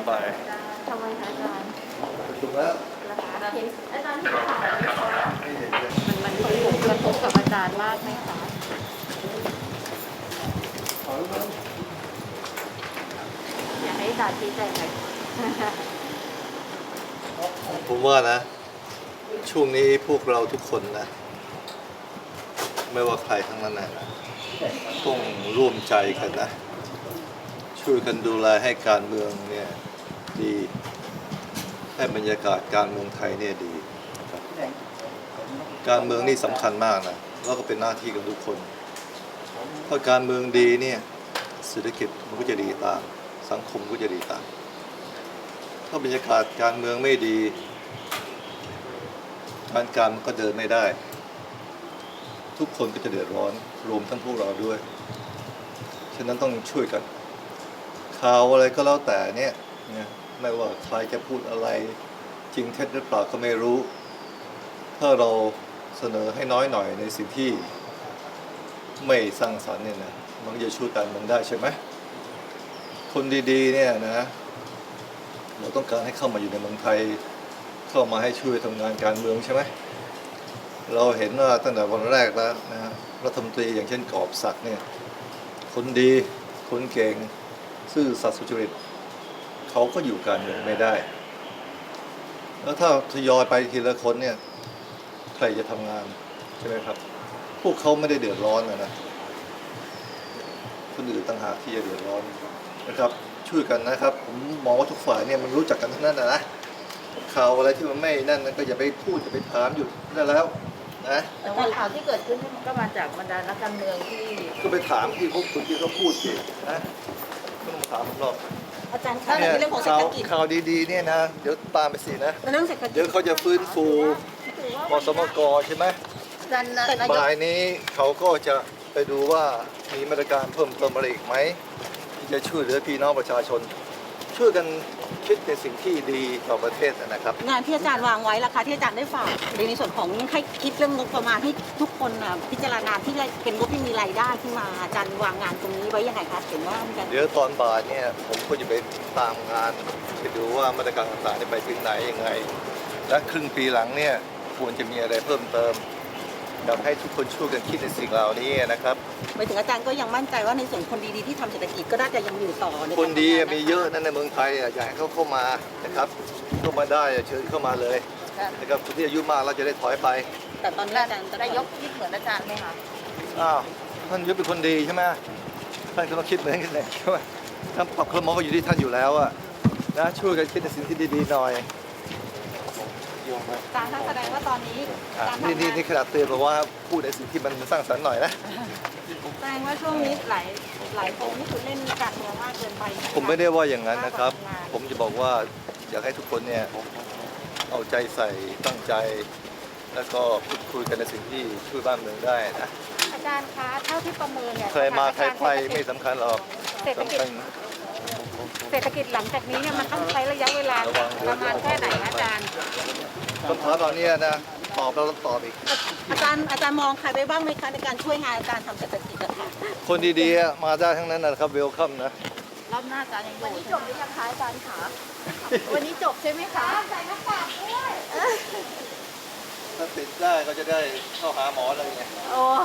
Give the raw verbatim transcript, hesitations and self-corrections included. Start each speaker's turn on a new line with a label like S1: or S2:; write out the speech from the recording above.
S1: บ่าย
S2: ทำไมคะอาจารย์
S1: ถูกแล้ว
S2: เห็นอาจารย์เห็นข่าวไหมคะ
S1: ไม่เห็นเลย
S2: มันมันส่งผลกระทบกับอาจารย์มากไหมคะอยากให้อาจารย์ชี้แจงหน่อย
S1: ผมว่านะ ช่วงนี้พวกเราทุกคนนะ ไม่ว่าใครทั้งนั้นนะต้องร่วมใจกันนะ ช่วยกันดูแลให้การเมืองเนี่ยดีให้บรรยากาศการเมืองไทยเนี่ยดีครับการเมืองนี่สำคัญมากนะแล้วก็เป็นหน้าที่ของทุกคนถ้าการเมืองดีเนี่ยเศรษฐกิจมันก็จะดีตามสังคมก็จะดีตามถ้าบรรยากาศการเมืองไม่ดีการการมันก็เดินไม่ได้ทุกคนก็จะเดือดร้อนรวมทั้งพวกเราด้วยฉะนั้นต้องช่วยกันข่าวอะไรก็แล้วแต่เนี่ยนะไม่ว่าใครจะพูดอะไรจริงเท็จหรือเปล่าก็ไม่รู้ ถ้าเราเสนอให้น้อยหน่อยในสิ่งที่ไม่สร้างสรรค์เนี่ยนะมันก็จะช่วยกันมันได้ใช่ไหมคนดีๆเนี่ยนะเราต้องการให้เข้ามาอยู่ในเมืองไทยเข้ามาให้ช่วยทำงานการเมืองใช่ไหมเราเห็นว่าตั้งแต่วันแรกแล้วนะรัฐมนตรีอย่างเช่นกอบศักดิ์เนี่ยคนดีคนเก่งซื่อสัตย์สุจริตเขาก็อยู่การเมืองไม่ได้แล้วถ้าทยอยไปทีละคนเนี่ยใครจะทำงานใช่ไหมครับพวกเขาไม่ได้เดือดร้อนนะนะคนอื่นต่างหากที่จะเดือดร้อนนะครับช่วยกันนะครับผมมองว่าทุกฝ่ายเนี่ยมันรู้จักกันทั้งนั้นนะนะข่าวอะไรที่มันไม่นั่นก็อย่าไปพูดอย่าไปถามหยุดได้แล้วนะ
S2: แต่ว่าข่าวที่เกิดขึ้นมันก็มาจากบรรดานักการเมืองที่
S1: ก็ไปถามที่พวกคุณที่เขาพูดสินะไม่ต้องถามผมหรอก
S2: อาจารย์คะในเรื่องของเศรษฐกิจ
S1: ข่าวดีๆเนี่ยนะเดี๋ยวตามไปสินะ
S2: เรื่องเศรษฐกิจ
S1: เดี๋ยวเขาจะฟื้นฟูกสมกใช่ไหมบ่ายนี้เขาก็จะไปดูว่ามีมาตรการเพิ่มเติมอะไรอีกไหมที่จะช่วยเหลือพี่น้องประชาชน ช่วยกันคิดในสิ่งที่ดีต่อประเทศนะครับ
S3: งานที่อาจารย์วางไว้ล่ะคะที่อาจารย์ได้ฝากในส่วนของให้คิดเรื่องงบประมาณให้ทุกคนพิจารณาที่เป็นงบที่มีรายได้ขึ้นมาอาจารย์วางงานตรงนี้ไว้ยังไงคะเห็นว่า
S1: เดี๋ยวตอนบ่ายเนี่ยผมก็จะไปตามงานไปดูว่ามาตรการต่างๆไปถึงไหนยังไงและครึ่งปีหลังเนี่ยควรจะมีอะไรเพิ่มเติมอยากให้ทุกคนช่วยกันคิดในสิ่งเหล่านี้นะครับ
S3: หมายถึงอาจารย์ก็ยังมั่นใจว่าในส่วนคนดีๆที่ทำเศรษฐกิจก็น่าจะยังอยู่ต่อ
S1: คนดีมีเยอะนั่นในเมืองไทยอยากให้เขาเข้ามานะครับเข้ามาได้เชิญเข้ามาเลยนะครับคนที่อายุมากเราจะได้ถอยไป
S3: แต่ตอนนี้อาจารย์
S2: นายกคิดเหมือนอาจารย์ไหมคะ
S1: อ้าวท่านยกเป็นคนดีใช่ไหมท่านก็ต้องคิดเหมือนกันเลยใช่ไหมท่านปรับคลมก็อยู่ที่ท่านอยู่แล้วอะนะช่วยกันคิดในสิ่งที่ดีๆหน่อย
S3: การแสดงว่าตอนนี้
S1: นี่นี่นี่ขนาดเตือนบอกว่าพูดในสิ่งที่มันสร้างสรรค์หน่อยนะ
S3: แสดงว่าช่วงนี้หลายหลายคนนี่คือเล่นการเมืองมากเกินไป
S1: ผมไม่ได้ว่าอย่างนั้นนะครับผมจะบอกว่าอยากให้ทุกคนเนี่ยเอาใจใส่ตั้งใจแล้วก็พูดคุยกันในสิ่งที่ช่วยบ้านเมืองได้นะ
S2: อาจารย์คะเท่าที่ประเมินเนี่ย
S1: ใครมาใครไปไม่สำคัญหรอกสำคัญ
S2: เศรษฐกิจหลังจากนี้เนี่ยมันต้องใช้ระยะเวลาประมาณแค่ไหนอาจารย์
S1: คำถามตอนนี้นะตอบเราต้องตอบอีก
S3: อาจารย์อาจารย์มองใครไปบ้างไหมคะในการช่วยงานอาจารย์ทำเศรษฐกิจอะค่ะ
S1: คนดีๆมาได้ทั้งนั้นนะครับเวลคัมนะ
S2: รอบหน้าอาจารย์ยังวันนี้จบหรือยังคะอาจารย์คะวันนี้จบใช่ไหมคะใส่หน้ากากด้วย
S1: ถ้าติดได้ก็จะได้เข้าหาหมอเลยไง
S2: โอ้